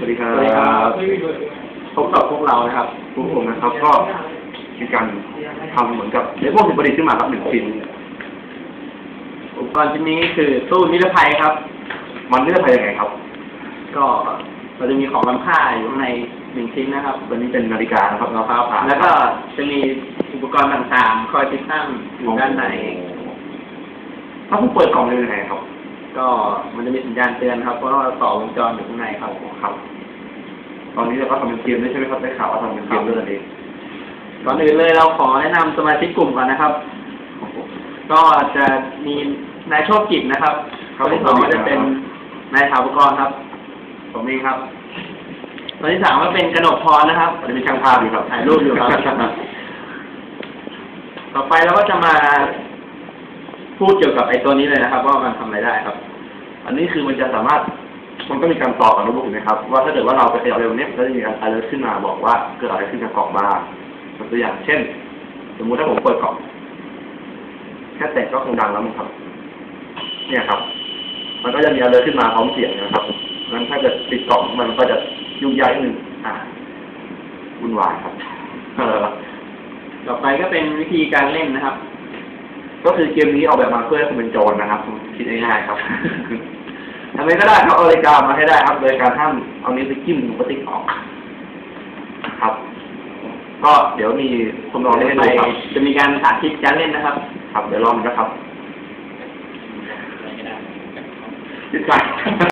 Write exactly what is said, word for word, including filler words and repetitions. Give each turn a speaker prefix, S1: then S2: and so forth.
S1: วัสดีครับ
S2: สวัสดีครับพบกับพวกเรานะครับ
S1: พวกผมนะครับก็มีการทำเหมือนกับในพวกสิ่งประดิษฐ์ขึ้นมาครับหนึ่งชิ้น
S2: อุปกรณ์ชิ้นนี้คือตู้นิรภัยครับ
S1: มันเลือกไปยังไงครับ
S2: ก็เราจะมีของล้ำค่าอยู่ข้างในหนึ่งชิ้นนะครับ
S1: ตัวนี้เป็นนาฬิกานะครับเราฟ้าผ่า
S2: แล้วก็จะมีอุปกรณ์ต่างๆ คอยติดตั้งอยู่ด้านใน
S1: ถ้าผมเปิดกล่องเลยยังไงครับ
S2: ก็มันจะมีสัญญาณเตือนครับเพราะว่าเราต่อวงจรอยู่ข้างในครับ
S1: ครับ ตอนนี้เราก็ทำเป็นเกมด้วยใช่ไหมครับได้ข่าวว่าทำเป็นเกมด้วยนั่นเอง
S2: ก่อนอื่นเลยเราขอแนะนำสมาชิกกลุ่มก่อนนะครับ ก็จะมีนายโชคกิจนะครับคนที่สองก็จะเป็นนายถาวรครับผมเองครับคนที่สามก็เป็นกนกพรนะครับ
S1: อันนี้เป็นช่างภาพอยู่ครับ
S2: ถ่ายรูปอยู่ครับ ต่อไปเราก็จะมาพูดเกี่ยวกับไอ้ตัวนี้เลยนะครับ ว่ามันทำอะไรได้ครับ
S1: อันนี้คือมันจะสามารถมันก็มีการต่อกับโน้ตบุ๊กนะครับว่าถ้าเกิดว่าเราไปขยับเร็วเนี้ยก็จะมีการอะไรขึ้นมาบอกว่าเกิดอะไรขึ้นกับกล่องบ้างตัวอย่างเช่น สมมุติถ้าผมเปิดกล่องแค่แตะก็คงดังแล้วมั้งครับ เนี่ยครับ มันก็จะมีอะไรขึ้นมาพร้อมเสียงนะครับงั้นถ้าเกิดปิดกล่องมันก็จะยุ่งยากนิดนึงอ่าวุ่นวายครับเออ
S2: ต่อไปก็เป็นวิธีการเล่นนะครับ
S1: ก็คือเกมนี้ออกแบบมาเพื่อให้คุณเป็นโจรนะครับคิดง่ายๆครับ ทำไมก็ได้ครับเอานาฬิกามาให้ได้ครับ โดยการห้ามเอานิ้วไปจิ้มหนูกระติกออกครับ ก็เดี๋ยวมีคนลองเล่นให้ดูครับ
S2: จะมีการสาธิตการเล่นนะครับ
S1: ครับเดี๋ยวลองนะครับยึดกัน